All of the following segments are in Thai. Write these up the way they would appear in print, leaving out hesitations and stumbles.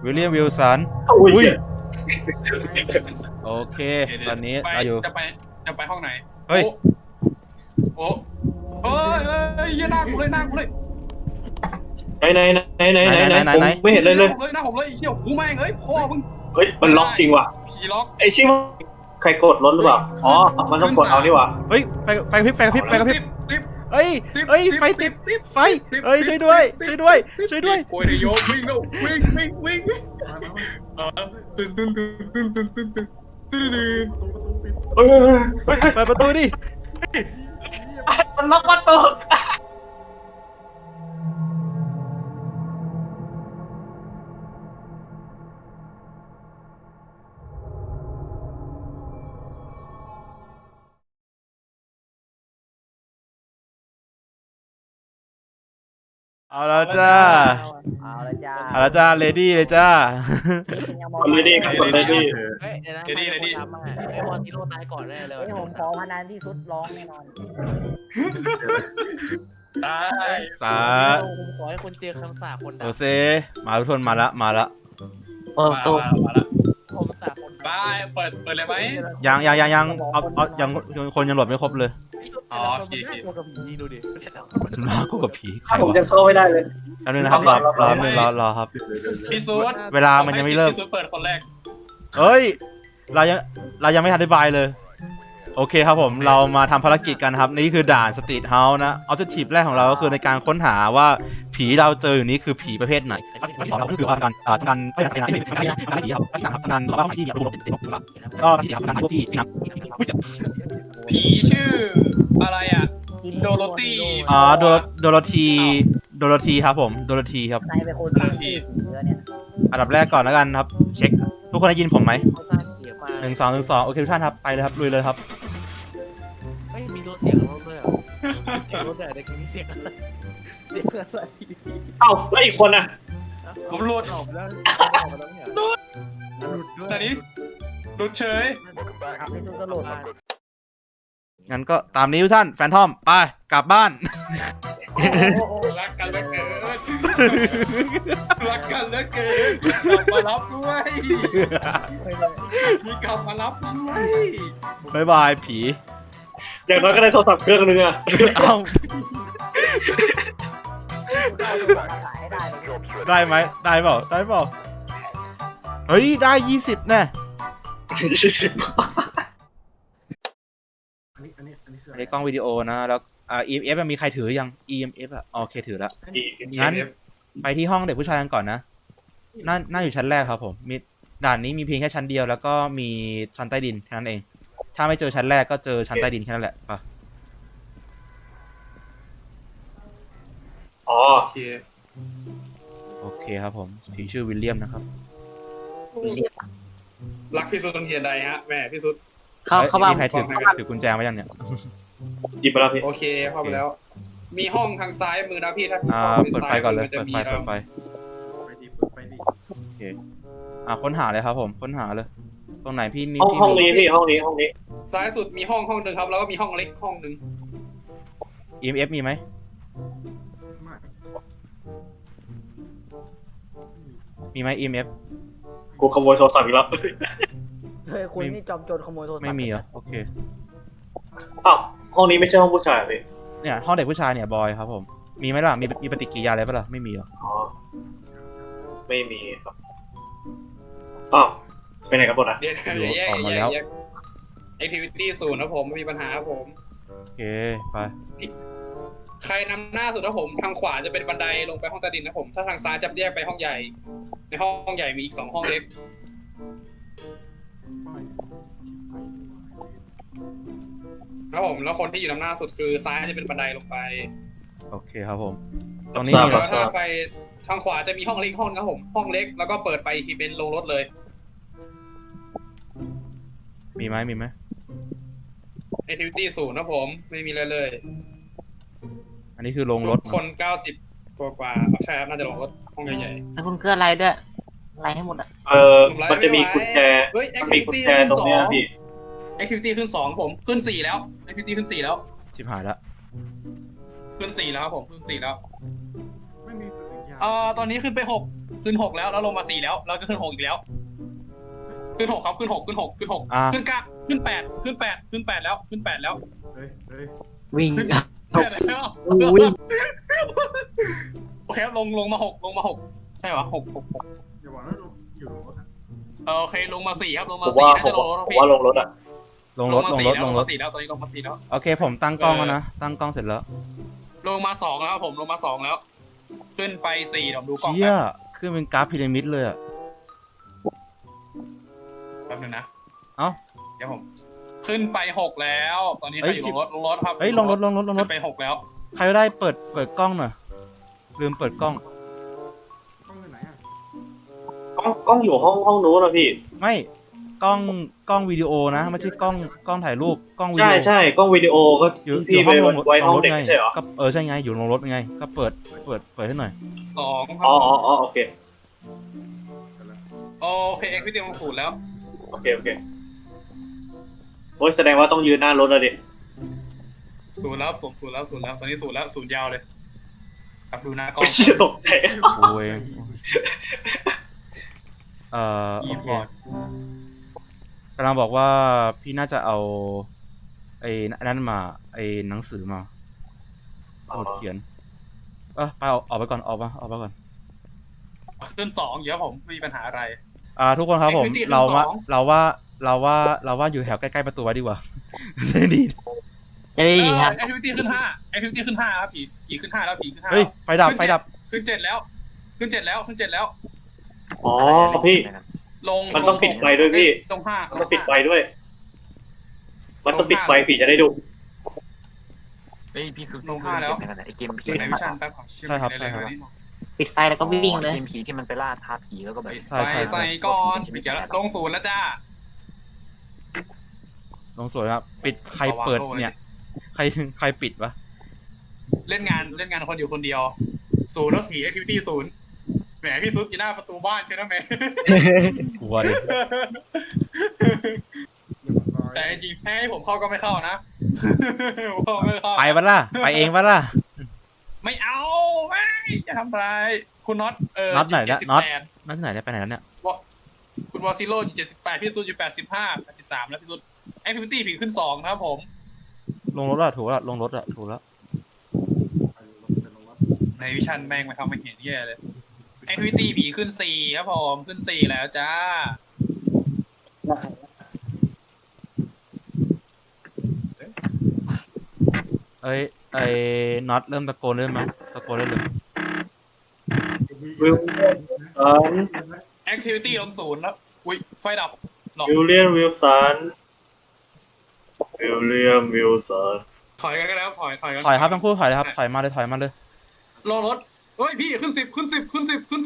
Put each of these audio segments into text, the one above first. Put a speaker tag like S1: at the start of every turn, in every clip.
S1: วิลเลียมวิลสัน
S2: อุ้ย
S1: โอเคตอนนี้เราอยู่
S3: จะไปห้องไหน
S1: เฮ้ย
S3: โอ้เฮ้ยหน้ากูเลยหน้ากูเลย
S2: ไหนผมไม่เห็นเลย
S3: หน้าผมเลยเขี้ยวกูแม่งเอ้ยพ่อมึง
S2: เฮ้ยมันล็อกจริงว่ะ
S3: ผีล็อก
S2: ไอ้ชิมใครกดรถหรือเปล่าอ๋อมันต้องกดเอานี่ว่ะ
S1: เฮ้ยไฟกระพริบไฟกระพริบไฟกระพริบ
S3: สิบ
S1: เฮ้ยเฮ้ยไฟติดไฟเฮ้ยช่วยด้วยช่วยด้วยช่วยด้วย
S3: โอ้ยโยมวิ่งแล้ววิ่งตื่น
S2: เฮ้ย
S1: เปิดประตูดิ
S2: มันล็อกประตู
S1: เอาแล้วจ้า
S4: เอาละจ้า
S1: เอาแล้วจ้าเลดี้เลยจ้า
S2: คนเลยดีครับคนเลยดี
S4: เฮ้ยเดี๋ยวนะใครเป็นคนทำอ่ะไอ้บอลที่โดนตายก่อนแน่เลยผมขอพนันที่สุดร้องแน่นอน
S3: ตาย
S1: สา
S4: ผมขอให้คนเจอคำสาปคน
S1: โอ
S4: ด่า
S1: เซมาทุกคนมาละมาละ
S3: มาละ
S4: ผมสาปคน
S3: บายเปิดเลยไหม
S1: ยังเอายังคนยังหลบไม่ครบเลย
S3: อ๋อโอเค
S4: ตัวกับผีดูดิ
S1: น่ากลัวกับผีใคร
S2: ผม
S1: วะ
S2: จะเข้าไม่ได้เลย
S1: แป๊บนึงนะครับรอนึงรอครับ
S3: พี่ซูด
S1: เวลามันยังไม่เริ่ม
S3: พี่ซูดเปิดคนแรก
S1: เฮ้ยเรายังไม่ทันอธิบายเลยโอเคครับผมเรามาทำภารกิจกันครับนี่คือด่านสตรีทเฮาส์นะออบเจกตีฟแรกของเราก็คือในการค้นหาว่าผีเราเจออยู่นี้คือผีประเภทไหนที่สองเราก็คือว่าการไม่ใช่การผีครับที่สามครับการต่อไปที่ระบบติดก็ที่สี่ครับการที่นะ
S3: ผีชื่ออะไรอ่ะโดโรตี้
S1: โดโรธีครับผมโดโรธีครับ
S4: นายเป็นคนที่เยอะเนี่ย
S1: อันดับแรกก่อนแล้วกันครับเช็คทุกคนได้ยินผมไหม
S4: เขาสร้างเสียงมา
S1: 1 2 1 2โอเคทุกท่านครับไปเลยครับลุยเลยครับ
S4: ไม่มีตัวเสียงรถด้วยเหรอเสียงรถแต่กี้เสียงอะไรเสียงอะไร
S2: เอ้าแล้วอีกคนน่ะ
S3: ผมหลุด
S4: ออกแล้วออกมาแล้วเนี่ย
S3: หลุด
S4: หลุดด้วย
S3: แต่นี้หลุดเฉย
S4: ครับไม่สู้ก็หลุด
S1: งั้นก็ตามนี้ทุกท่านแฟนทอมไปกลับบ้าน
S3: รักกันเหลือเกินรักกันเหลือเกินกลับมารับด้วยมีกลับมารับด้วย
S1: บ๊ายบายผี
S2: อย่างน้อยก็ได้โทรศัพท์เครื่องนึงอะ
S1: เอ้า
S4: ขายให้ได้เลย
S1: ได้ไหมได้เปล่าเฮ้ยได้20แน่อันนี้กล้องวิดีโอนะแล้วEMF มีใครถือยัง EMF อ่ะโอเคถือแล้วงั้นไปที่ห้องเด็กผู้ชายกันก่อนนะน่าอยู่ชั้นแรกครับผมมีด่านนี้มีเพียงแค่ชั้นเดียวแล้วก็มีชั้นใต้ดินแค่นั้นเองถ้าไม่เจอชั้นแรกก็เจอชั้นใต้ดินแค่นั้นแหละป่ะ
S2: อ๋อ
S3: โอเค
S1: โอเคครับผมผีชื่อวิลเลียมนะครับ
S3: รักพี่สุดตรงเทียนใดฮะแม่พี่สุด
S4: เขาบ้า
S1: มีใครถือกุญแจมายังเนี่ย
S2: หยิบไปแล้วพี่
S3: โอเคเข้าไปแล้ว มีห้องทางซ้ายมือนะพี่ถ้า
S1: เปิดไฟก่อนเลย
S3: จะ
S1: เปิด
S3: มี
S1: ไฟโอเคค้นหาเลยครับผมค้นหาเลยตรงไหนพี่นี่
S2: ห้องนี้พี่ห้องนี้
S3: ซ้ายสุดมีห้องหนึ่งครับแล้วก็มีห้องเล็กห้องหนึ่ง
S1: EMF มีไหมมีไหม EMF
S2: กูขโมยโทรศัพท์อีกแล้ว
S4: เฮ้ยคุณนี่จอมโจรขโมยโทรศัพท์
S1: ไม่มีเหรอโอเค
S2: อ้าวห้องนี้ไม่ใช่ห้องผู้ชายพี่
S1: เนี่ยห้องเด็กผู้ชายเนี่ยบอยครับผมมีไหมล่ะมีปฏิกิริยาอะไรปะล่ะไม่มีเหรอ
S2: อ๋อไม่มีครับอ้าวไปไหนกันหมดอ่ะ
S3: เดี๋ยวแยกแอคทิวิตี้ศูนย์นะผมไม่มีปัญหาครับผม
S1: โอเคไป
S3: ใครนำหน้าสุดนะผมทางขวาจะเป็นบันไดลงไปห้องใต้ดินนะผมถ้าทางซ้ายจะแยกไปห้องใหญ่ ในห้องใหญ่มีอีก2ห้องเล็กครับผมแล้วคนที่อยู่นำหน้าสุดคือซ้ายจะเป็นบันไดลงไป
S1: โอเคครับผมตรงนี้มี
S3: แล้วถ้าไปทางขวาจะมีห้องเล็กห้องครับผมห้องเล็กแล้วก็เปิดไปที่เป็นโรงรถเลย
S1: มีไหม
S3: แอคทิวิตี้ศูนย์นะผมไม่มีเลย
S1: อันนี้คือโรงรถ
S3: คน90กว่าใช่ครับน่าจะโรงรถห้องใหญ่
S4: แล้วคุณเกลืออะไรด้วยอะไรให้หมดอ่ะ
S2: มันจะมีกุญแจ
S3: เฮ้ย
S2: มันมีกุญแจตรงเนี้ยพี่
S3: แอคทิวิตี้ขึ้น2ผมขึ้น4แล้วแอคทิวิตี้ขึ้น4แล้ว
S1: ชิบหายละ
S3: ขึ้น4แล้วครับผมขึ้น4แล้วตอนนี้ขึ้นไป6 ขึ้น 6แล้วลงมา4แล้วเราจะขึ้น6อีกแล้วขึ้น6ครับขึ้น6ขึ้น6ขึ้น6
S1: อ่า
S3: ขึ้น9ขึ้น8ขึ้น8ขึ้น8แล้วขึ้น8แล้ว
S5: วิ่ง
S3: ขึ้น8แล้ว
S5: วิ่ง
S3: โอเคครับลงมา6ใช่ปะ6
S6: อย่าบอกนะอยู่รถ
S3: โอเคลงมา4ครับลง
S2: ผ
S3: มา
S2: มว่า
S3: 4น่าจะลงรถ
S2: ผมว่าลงรถอ่ะ
S1: ลงรถ
S3: ลงมา4แล้วตอนนี้ลงมา4แล้ว
S1: โอเคผมตั้งกล้องแล้วนะ ตั้งกล้องเสร็จแล้ว
S3: ลงมา2แล้วครับผมลงมา2แล้ว ขึ้นไป4เดี๋ยวดูกล้อง
S1: เชี่ยขึ้นเป็นกราฟพีระมิดเลยอะ
S3: แป๊บนึงนะ
S1: เอ้า
S3: เดี๋ยวผมขึ้นไป6แล้ว ตอนนี้ใครอยู่ลงรถครับ
S1: เฮ้ยลงรถ
S3: ขึ้นไป6แล้ว
S1: ใครก็ได้เปิดกล้องหน่อยลืมเปิดกล้อง
S6: ต้องไปไหนอ่ะ
S2: กล้องอยู่ห้องนู้นนะพี่
S1: ไม่กล้องวิดีโอนะไม่ใช่กล้องถ่ายรูปกล้องวิดี
S2: ใช่
S1: โอ
S2: ใช่กล้องวิดีโอก็
S1: อยู่
S2: พี่ไปไว้ห้องเด็ก
S1: ไง
S2: ไม่ใช่เหรอ
S1: ก็ใช่ไงอยู่ลงรถไง ก็เปิดให้หน่อย
S3: 2ครั
S2: อ๋อบ โอเค
S3: โอเคเอ็กซ์วิดีโอลง0แล้ว
S2: โอเคโอ้ยแสดงว่าต้องยืนหน้ารถแล้วดิ
S3: 0แล้ว0แล้วตอนนี้0แล้ว0ยาวเลยครับดูหน้ากล้อง
S2: ไม่เชื่อตกใจ
S1: โอ้ยโอเคกำลังบอกว่าพี่น่าจะเอาไอ้นั่นมาไอ้หนังสือมาสมุดเขียนไปออกไปก่อนออกมาก่อน
S3: ขึ้น2เดี๋ยวผมไม่มีปัญหาอะไร
S1: ทุกคนครับผม
S3: Activity ขึ้น
S1: เรา
S3: สอง
S1: ว่าอยู่แถวใกล้ๆประตูไว้ดีกว่า จะได้ดี
S5: จะได้ดีครับ
S3: แอคทิวิตี้ขึ้น5ครับผีขึ้น5แล้วผีขึ้น5
S1: เฮ้ยไฟดับ
S3: ขึ้น7แล้วขึ้น7แล้ว
S2: อ๋อพี่
S3: ลง
S2: มันต้องปิดไฟด้วยพี่
S3: ลง5
S2: มันต้องปิดไฟด้วย มันต้องปิดไฟผีจะได้ดู
S5: เฮ้ยพี่คือ
S3: ลง5แล้ว
S5: ไอเกมผี
S3: ในวิชั่นแป๊บของ
S1: ใช่ครับ
S5: ปิดไฟแล้วก็วิ่งเลย
S6: เกมผีที่มันไปล่าท้าผีแล้วก็แบบ
S1: ใช่
S3: ใส่ก่อนปิดเดี๋ยวลง0แล้วจ้า
S1: ลงสวยครับปิดใครเปิดเนี่ย ใครปิดวะ
S3: เล่นงานคนอยู่คนเดียว0แล้วผีแอคทิวิตี้0แหมพี่ซุดอยู่หน้าประตูบ้านใช่ไหมแหม
S1: กลัวดิ
S3: แต่จริงๆให้ผมเข้าก็ไม่เข้านะ ผมไม่เข้า
S1: ไปปะล่ะไปเองปะล่ะ
S3: ไม่เอาไม่จะทำอะไรคุณน็อต
S1: น็อตไหนนะน็อต
S3: 78
S1: นั่นที่ไหนได้ไปไหนแล้วเนี่ย
S3: คุณวอซิโร่อยู่78พี่ซุดอยู่85 83แล้วพี่ซุดแอคทิวิตี้ผีขึ้น2นะครับผม
S1: ลงรถอะถูกแล้วลงรถอะถูกแล้ว
S3: ในวิชั่นแม่งมาทำไม่เห็นแย่เลยแอคทิวิตี้ผีขึ้น4ครับผมขึ้น4แล้วจ้า
S1: เอ้ยไอ้น็อตเริ่มตะโกนได้ไหมตะโกนได้เลย
S2: วิลสัน
S3: แอคทิวิตี้ลง0แล้วอุ้ยไฟดับหรอ
S2: วิลเลียมวิลสัน
S3: ถอยกันก็แล้วถอยกัน
S1: ถอยครับทั้งคู่ถอยเลยครับถอยมาเลย
S3: รอรถเฮ้ยพี่ขึ้น10ขึ้น10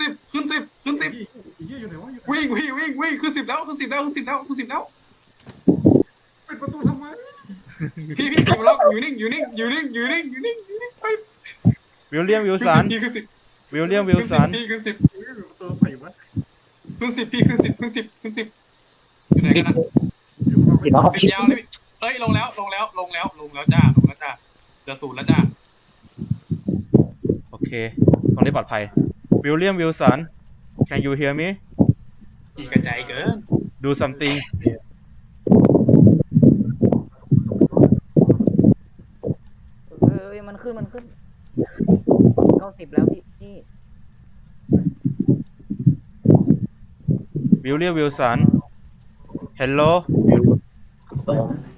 S6: อยู่ไหนวะอยู่
S3: วิ่งขึ้น10แล้ว
S6: ปิดประตูทำไม
S3: พี่อยู่แล้วอยู่นิ่งไป
S1: วิลเลียมวิลสัน
S3: พี่ขึ้น10
S1: วิลเลียมวิลสัน
S3: พี่ขึ้น10
S6: ประตูใส่วะ
S3: ขึ้น10พี่ขึ้น10อยู่ไหนกันนะ
S6: อยู่ข้าง
S5: ปิดแล้ว
S3: 10ยาวเลยเอ้ยลงแล้วจ้าเหลือ0แล้วจ้า
S1: โอเคตรงนี้ปลอดภัยวิลเลียมวิลสัน can you hear me
S3: พี่กระจายเกิน
S1: do something
S7: มันขึ้น90แล้วพี่
S1: วิลเลียมวิลสัน hello
S2: สอง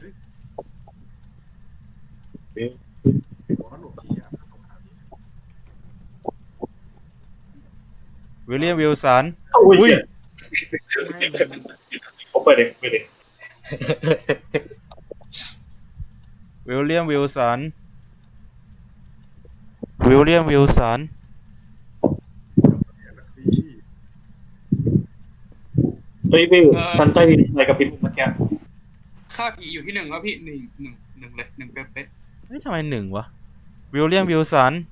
S1: วิลเลียมวิลสัน
S2: อุ้
S1: อุ้
S2: ย
S1: ย
S2: ผมไปดิ
S1: วิลเลียมวิลสัน วิลเลียมวิลสัน
S2: เฮ้ยพี่ชั้นใต้ดินอะไรกับพี่เมื่อกี้
S3: ค่าผีอยู่ที่1แล้วพี่1เลย1เป๊ะ
S1: เฮ้ยทำไมหนึ่งวะวิลเลียมวิลสัน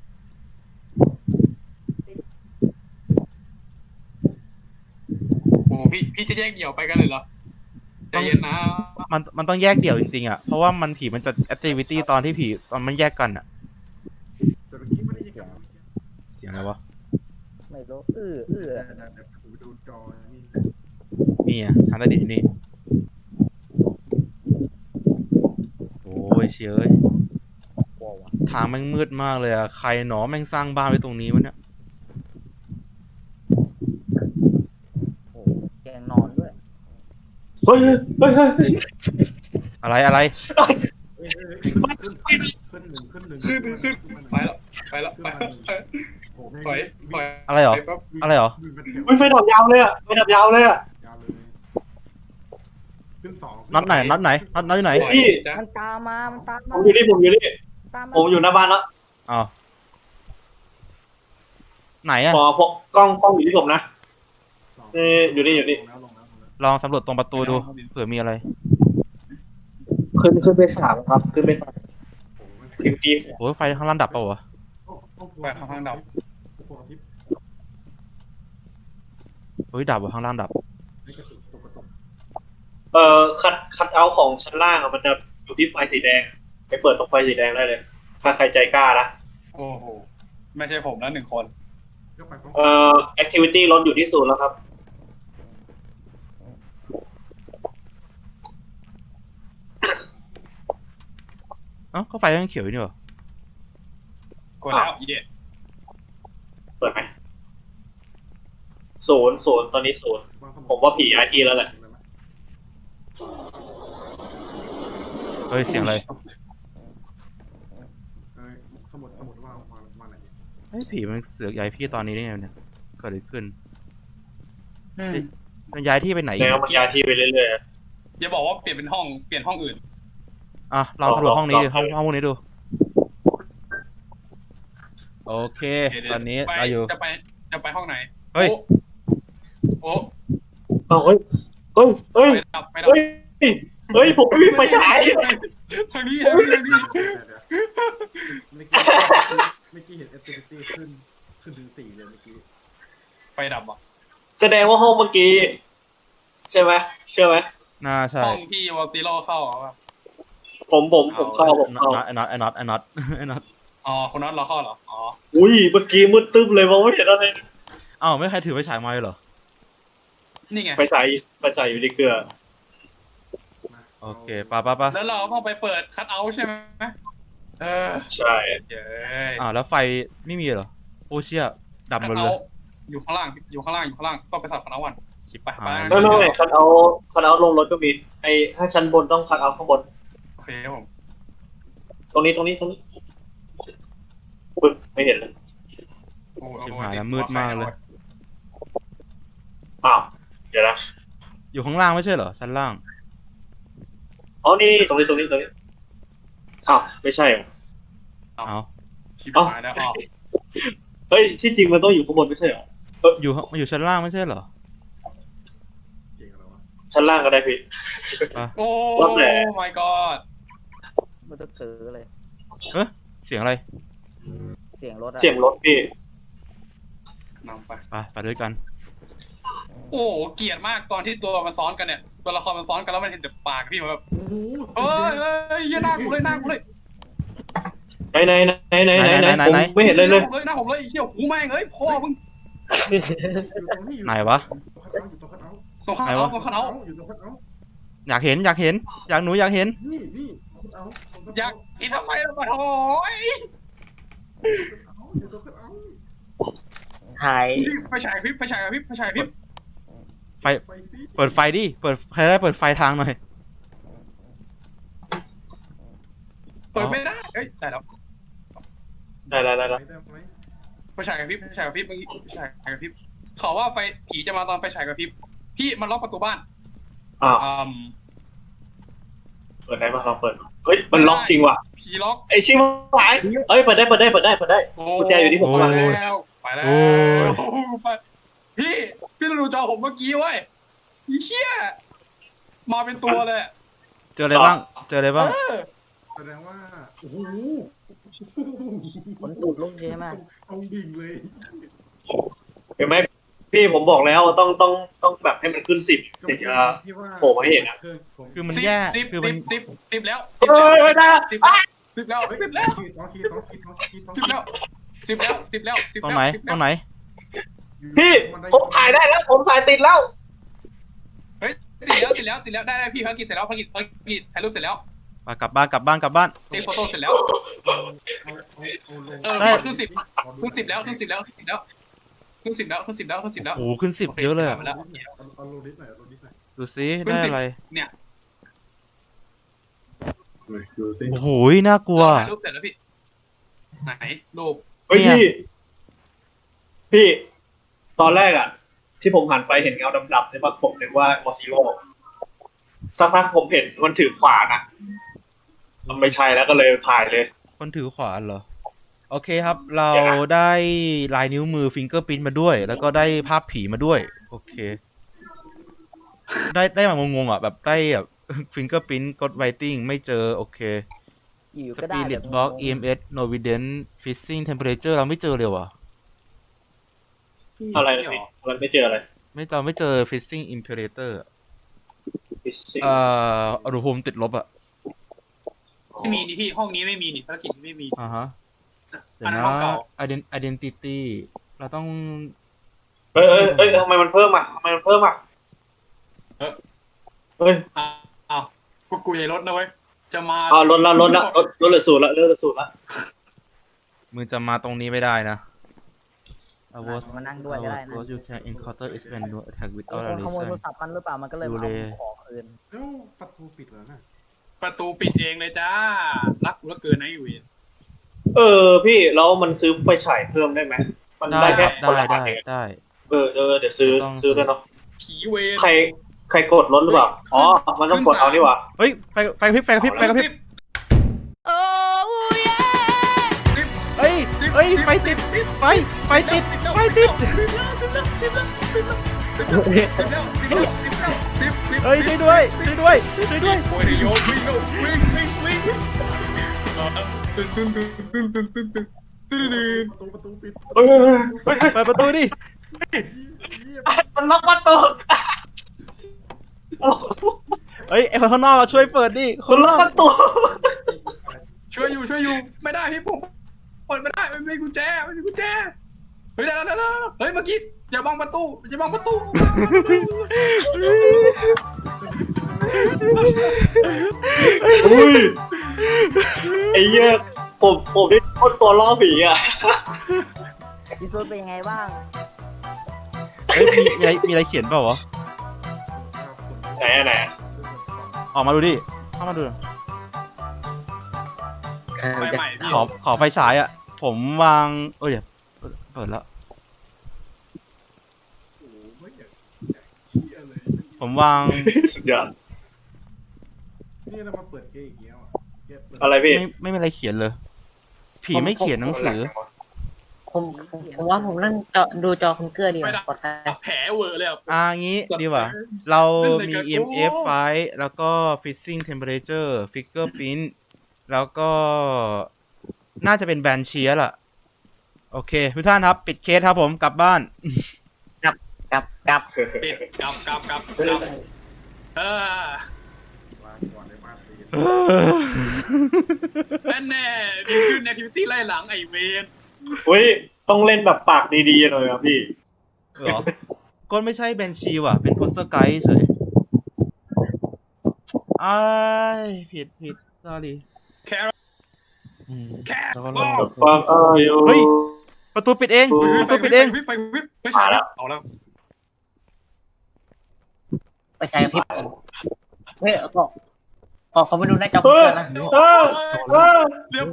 S3: โอ้พี่จะแยกเดี่ยวไปกันเลยเหรอใจเย็นนะ
S1: มันต้องแยกเดี่ยวจริงๆอ่ะเพราะว่ามันผีมันจะ activity ตอนที่ผีตอนมันแยกกันอ่ะ
S6: แต่เมื่อกี้ไม่ได้ยินเสียง
S1: เสียงอะไรวะ
S7: ไม่
S4: ไม่รู้
S6: เดี๋ยวผมไปดูจอนี่
S1: นี่อ่ะชั้นใต้ดินอยู่นี่โอ้ยเชี่ยเอ้ย
S4: กลัววะ
S1: ทางแม่งมืดมากเลยอ่ะใครหนอแม่งสร้างบ้านไว้ตรงนี้วะเนี่ย
S4: โอ้แกงนอนด้วย
S2: เฮ้ยเฮ้ยเฮ้ย
S1: อะไรอะไร
S6: ขึ้นหนึ่ง
S3: ขึ้นไปแล้วไปแล้วไปถอยถอย
S1: อะไรเหรอ
S3: ไปปั๊บ
S1: อะไรเหรอ
S2: อุ้ยไฟดับยาวเลยอ่ะไฟดับยาวเลยอ่ะ
S6: ยาวเลยขึ้นสอง
S1: น็อตไหนน็อตไหนน็อตอยู่ไหน
S3: ถอย
S2: พี่
S3: จ้ะ
S4: มันตามมามันตาม
S2: ผ
S4: มาม
S2: อยู่นี่ผมอยู่นี่
S4: ตามมา
S2: ผมอยู่หน้าบ้านแล้ว
S1: อ้าวไหนอ่ะ
S2: พอพกกล้องอยู่ที่ผมนะอยู่นี่
S1: ลองสำรวจตรงประตูดูเผื่อมีอะไร
S2: ขึ้นไปสามครับขึ้นไปสามพิมพ์ดี
S1: โอ้ยไฟข้างล่างดับเปล่าวะ
S3: ไปข้างๆดับ
S1: เฮ้ยดับวะข้างล่างดับ
S2: คัดเอาท์ของชั้นล่างอะมันจะอยู่ที่ไฟสีแดงไปเปิดตรงไฟสีแดงได้เลย ถ้าใครใจกล้านะ
S3: โอ้โหไม่ใช่ผมนะหนึ่งคน
S2: activity ลดอยู่ที่ศูนย์แล้วครับ
S1: เอ้าก็ไฟยังเขียวอยู่นี่หรอก
S3: ดแล้วเย่
S2: เปิดไหมศูนย์ตอนนี้ศูนย์ผมว่าผีย้ายที่แล้วแหละ
S1: เฮ้ยเสียงอะไร
S6: สมุดว่ามาไหน
S1: เฮ้ยผีมันเสือกย้ายพี่ตอนนี้ได้ไงเนี่ยเกิดอะไรขึ้นมันย้ายที่ไปไหนอีก
S2: แล้วมันย้ายที่ไปเรื่อย
S3: อย่าบอกว่าเปลี่ยนเป็นห้องเปลี่ยนห้องอื่น
S1: อ่ะลองสำรวจห้องนี้ดิห้องพวกนี้ดูโอเค ตอนนี้
S3: ไป
S1: เราอยู่
S3: จะไปห้องไหน
S1: เฮ้ย
S3: โอ้
S2: ๆเฮ้ย
S3: ไปดับไปดับ
S2: เฮ้ยผมไม่มีไฟฉาย
S3: ทางนี้
S6: เมื่อกี้เห็น activity ขึ้นถึง4เลยเมื่อกี้
S3: ไฟดับอ่ะ
S2: แสดงว่าห้องเมื่อกี้ใช่ไหมเชื่อไหม
S1: น่าใช่
S3: ห้องที่วอลซิโร่เข้าอ่ะ
S2: ผมเข้า
S1: ไอ้น็อตไอ้น็อตไอ้น็อตไอ้น็อต
S3: อ๋อคุณน็อตเราเข้าเหรออ๋อ
S2: อุ้ยเมื่อกี้มืดตึ๊บเลยมองไม่เห็นอะไร
S1: อ้าวไม่ใครถือไฟฉายมาเลยเหรอ
S3: นี่ไง
S2: ไฟฉายอยู่ที่เกลือ
S1: โอเคป่ะ
S3: แล้วเราต้องไปเปิดคัทเอาท์ใช่ไหม
S2: ใช่
S3: เย้
S1: อ้าวแล้วไฟไม่มีเหรอโอเชี่ยดับ
S3: คั
S1: หม
S3: ท
S1: ด
S3: เอา
S1: เลย
S3: ท์อยู่ข้างล่างต้องไปสับคัทเอาท์ก่อน
S1: ชิบ
S3: ไป
S1: หาย
S2: ไม่คันเอาลงรถก็มีถ้าชั้นบนต้องคันเอาข้างบน
S3: โอเคครับผม
S2: ตรงนี้อุ๊ยไม่เห็นเลย
S3: โอ้
S1: ชิบหายแล้วมืดมากเลย
S2: อ้าวเดี๋ยวนะ
S1: อยู่ข้างล่างไม่ใช่เหรอชั้นล่าง
S2: อ๋อนี่ตรงนี้อ้าวไม่ใช่เหรอ
S1: เอา
S3: ชิบหายแล้วอ๋อ
S2: เฮ้ยที่จริงมันต้องอยู่ข้างบนไม่ใช่เหรอ
S1: อยู่มันอยู่ชั้นล่างไม่ใช่เหรอ
S6: เก่งอะไรวะ
S2: ชั้นล่างก็ได้พี่
S1: ป่ะ
S3: โอ้
S2: ว่าแต่
S3: my god
S4: มันจะเกิดเลย
S1: เสียงอะไร
S4: เสียงรถอะ
S2: เสียงรถพี่
S3: นำไป
S1: ไปด้วยกัน
S3: โอ้เกลียดมากตอนที่ตัวมันซ้อนกันเนี่ยตัวละครมันซ้อนกันแล้วมันเห็นแต่ปากพี่มันแบบ
S6: โอ้โห
S3: เฮ้ยอย่าหน้ากูเลยหน้ากูเลย
S2: ไหนผมไม่เห็นเลยเลย
S3: หน้าผมเลยไอ้เหี้ยหูแม่งเอ้ยพ่อมึง
S6: อยู่ตรงนี้อยู่
S1: ไหนวะ
S6: อยู่ตรงคัทเอาท์
S3: ตัวข้าง
S1: ไหน
S3: เอา
S1: วะ
S3: ตัวข้างเอา
S6: อยู่ตรงคัทเอาท์
S1: อยากเห็นอยากเห็นหนูอยากเห็น
S6: นี่คัทเอาท์
S3: อยากอีทำไมล่ะมาโถย
S6: อยู่ตรงคัทเอาท์
S5: ถ่าย
S3: ไฟฉายพริบ
S1: ไฟ
S6: ไฟสิ
S1: เปิดไฟดิใครได้เปิดไฟทางหน่อย
S3: เปิดไม่ได้เอ้ยได้แล้ว
S2: ได้
S6: ได้ไหม
S3: ไฟฉายกระพริบเมื่อกี้ไฟฉายกระพริบเขาว่าไฟผีจะมาตอนไฟฉายกระพริบพี่มันล็อกประตูบ้าน
S2: อ้าวเปิดได้ป่ะลองเปิดเฮ้ยมันล็อกจริงว่ะ
S3: ผีล็อก
S2: ไอชิบหายเอ้ยเปิดได้กุญแจอยู่ที่ผม
S3: ไป
S2: ข้างหลัง
S3: แล้วไปพี่ดูจอผมเมื่อกี้เว้ยอีเชี่ยมาเป็นตัวเลย
S1: เจออะไรบ้าง
S6: แสดงว่าโอ้โห
S4: ขนตูดลุกใช่ไหม
S6: เอาดิ่งเลย
S2: เห็นไหมพี่ผมบอกแล้วต้องแบบให้มันขึ้น10ถึงจะโผล่มาให้เห็นนะ
S1: คือมันแย่คือมัน
S3: สิบแล้ว
S2: เฮ้ยได้
S3: สิบแล้ว
S6: สองขีด
S1: ตรงไหน
S2: พี่ผมถ่ายได้แล้ว ผมถ่ายติดแล้ว
S3: เฮ้ยติดแล้วได้พี่ภารกิจเสร็จแล้วภารกิจถ่ายรูปเสร็จแล้ว
S1: กลับบ้าน
S3: เทคโฟโต้เสร็จแล้ว
S6: เอาลง
S3: ขึ้น10แล้วขึ้น10แล้ว
S1: โอ้โหขึ้น10เยอะเลยอะ
S3: มาแล้ว
S6: เอาลงนิดหน่อยเอาลงนิดหน่อย
S1: ดูซิได้อะไร
S3: เนี่ย
S6: ดูสิ
S1: โอ้โหน่ากลัว
S3: ถ่ายรูปเสร็จแล้วพี่ไหนรูป
S2: เฮ้ย
S1: เนี่ย
S2: พี่ ตอนแรกอ่ะ ที่ผมหันไปเห็นเงาดำๆเนี่ยผมนึกว่ามอซิโร่สักพักผมเห็นมันถือขวานอ่ะ มันไม่ใช่แล้วก็เลยถ่ายเลย
S1: คนถือขวานเหรอ โอเคครับ เราได้ลายนิ้วมือฟิงเกอร์พิ้นมาด้วย แล้วก็ได้ภาพผีมาด้วย โอเค ได้มางงๆอ่ะ แบบได้แบบ ฟิงเกอร์พิ้นกดไวติ้งไม่เจอ โอเค
S5: อยู่
S1: ส
S5: ก็ได้
S1: ปิริตบล็อก EMS Novident Freezing Temperature เราไม่เจอเลยว่ะ
S2: อะไรนะพี่มันไม่เจออะไร
S1: เราไม่เจอ Freezing Imperator
S2: Fishing
S1: อุณหภูมิติดลบอ่ะ
S3: ไม่มีนี่พี่ห้องนี้ไม่มีนี่ภารกิจไม่มี
S1: อ่าฮะเดี๋ย
S3: อั
S1: วน
S3: นั้น
S1: นะ
S3: ห้องเก่า
S1: Identity เราต้อง
S2: เอ้ยทำไมมันเพิ่มอ่ะเฮ้ย
S3: อ้าวกูใหญ่รถนะเว้ยจะมา
S2: ลดละลดเหลือ0ละเหลือ0ละ
S1: มึงจะมาตรงนี้ไม่ได้นะ
S5: มานั่งด้วยก็ได้นะ
S1: you can encounter is when no attack
S5: มี
S1: without
S5: ค
S1: a
S5: นขโมย
S1: reason
S5: โทรศัพท์มันหรือเปล่ามันก็เลยมาเอาของคืน
S6: แล้วประตูปิดแล้วนะ
S3: ประตูปิดเองเลยจ้ารักกูเหลือเกินนะอยู่
S2: พี่แล้วมันซื้อไฟฉายเพิ่มได้ไหมมัน
S1: ได้
S2: ได้แค่
S1: ครับ
S2: คนละอัน
S1: ได้
S2: เอง
S1: ได้
S2: เดี๋ยวซื้อ
S1: ต้อง
S2: ด้วยเนาะ
S3: ผีเวร
S2: ใครกดลดหรือเปล่าอ๋อมันต้องกดเอานี่หว่า
S1: เฮ้ยไฟกระพริบเฮ้ยไฟติดไฟติด เฮ้ยช่วยด้วย
S3: โอ้ยโยนวิ่ง
S6: ประตูปิด
S2: เฮ้ย
S1: เปิดประตูดิ
S2: มันล็อกประตู
S1: เฮ้ยไอคนข้างนอกมาช่วยเปิดดิค
S2: มัน
S1: น
S2: ล็อกประตู
S3: ช่วยอยู่ไม่ได้พี่ผมเปิดไม่ได้ไม่มีกุญแจเฮ้ยได้เฮ้ยเมื่อกี้อย่าบังประตู
S2: อุ้ยไอ้เหี้ยผมได้คนตัวล่อผีอ่ะ
S5: พี่ซูนเป็นยังไงบ้าง
S1: เฮ้ยมีอะไรเขียนเปล่าวะ
S2: ไหน
S1: ออกมาดูดิเข้ามาดู
S3: ใหม่พี่
S1: ขอไฟฉายอ่ะ ผมวางเดี๋ยวเปิดแล้ว
S6: โอ้ไม่อยากเหี้ยเลย
S1: ผมวาง
S2: สุดยอด
S6: นี่เรามาเปิดเกมอีกแล้วอ่ะเกมเปิด
S2: อะไรพี่
S1: ไม่มีอะไรเขียนเลย ผีไม่เขียนหนังสือ
S5: ผมว่าผมนั่งดูจอคอมเกอร์ดีกว่าปลอดภัย
S3: แผลเวอร์เลยอ่ะ
S1: งี้ดีกว่า เรามี EMF ไฟแล้วก็ Freezing Temperature Fingerprint แล้วก็น่าจะเป็นแบนเชียล่ะ โอเค ทุกท่านครับ ปิดเคสครับผมกลับบ้าน
S5: กลับ
S3: ปิดกลับ
S6: วางก่อนในบ้านตี
S3: แน่ดีขึ้นในทิวตี้ไล่หลังไอเวน
S2: อุ้ยต้องเล่นแบบปากดีๆหน่อยครับพี่
S1: เหรอ ก็ไม่ใช่แบนชีว่ะ เป็นโปสเตอร์ไกด์เฉยอ้ายผิด sorry
S3: แคร์
S1: แล้วก็
S3: โอ้
S2: ฟังอยู่
S1: เฮ้ย ประตูปิดเอง ประตูปิดเอง
S3: ไฟฉายเอาแล้ว
S5: ไปใช้พี่เฮ้ยขอมาดูหน้าจอคอม
S2: เฮ้
S5: เก
S2: ย
S5: อร์นะ
S3: เรียบ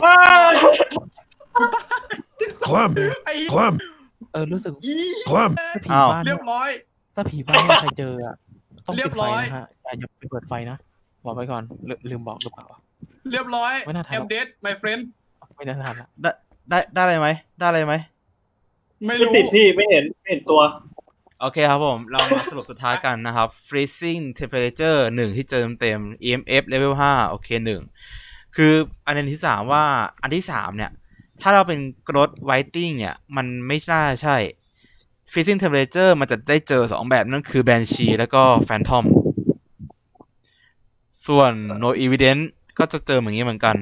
S3: ไอ้
S7: รู้สึก
S3: ยี่
S7: ผี
S1: อ้าว
S7: บ้าน
S3: เรียบร้อย
S7: ถ้าผีบ้านเนี่ยใครเจออะต้อง
S3: เรี
S7: ปิ
S3: ย
S7: ด
S3: บ
S7: ไฟ
S3: ร้อย
S7: นะฮะอย่าไปเปิดไฟนะบอกไว้ก่อนลืมบอกหรือเปล่า
S3: เรียบร้อย
S7: ไม่น่าทัน
S3: แอมเดด my friend
S7: ไม่น่าทันละ
S1: ได้อะไรไหม
S3: ไม่
S2: ไม่
S3: รู้
S2: ติดพี่ไม่เห็นตัว
S1: โอเคครับผม เรามาสรุปสุดท้ายกันนะครับ freezing temperature 1 ที่เจอเต็ม EMF level 5 โอเค 1 คืออันที่ 3 ว่าอันที่ 3 เนี่ย ถ้าเราเป็น growth whiting เนี่ย มันไม่น่าใช่ freezing temperature มันจะได้เจอ 2 แบบนั่นคือ banshee แล้วก็ phantom ส่วน no evidence ก็จะเจออย่างนี้เหมือนกัน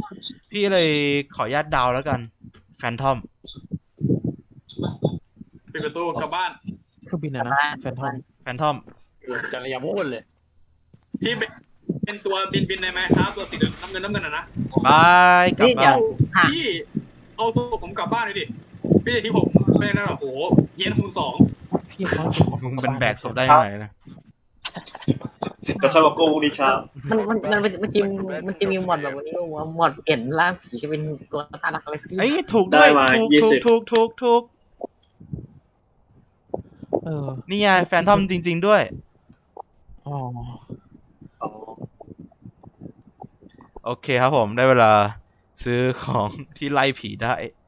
S1: พี่เลยขออนุญาตเดาแล้วกัน phantom
S3: ปิดประตูกลับบ้าน
S7: เครื่องบินอะนะแฟนทอม
S1: แฟนทอม
S4: จะอย่าพูดเลย
S3: พี่เป็นตัวบินในแมคครับตัวสีน้ำเงินอะนะ
S1: บายกลับ
S5: นี่เดี๋
S1: บ้าย น
S5: วหา
S3: พี่เอาศพผมกลับบ้านเลยดิพี่จะที่ผมไม่ได้หรอกโอ้โหเฮียนคูณ
S7: พี่เขา
S1: มึงเป็นแบกศพได้ยังไงนะ
S2: เดี๋ยวค่อยมากู้ดีเช้า
S5: มันจะมีหมอดแบบวันนี้ว่าหมอดเปลี่ยนร่างผีเป็นตัวตาลักอะไรสักอ
S1: ไอ้
S5: ย่าง
S1: ยถูกด้วย
S2: ได้มา
S1: ถูก
S2: 20
S1: ถูก
S7: เออ
S1: นี่ไงแฟนทอมจริง ๆด้วย
S7: อ๋อ
S2: อ๋อ
S1: โอเคครับผมได้เวลาซื้อของที่ไล่ผีได้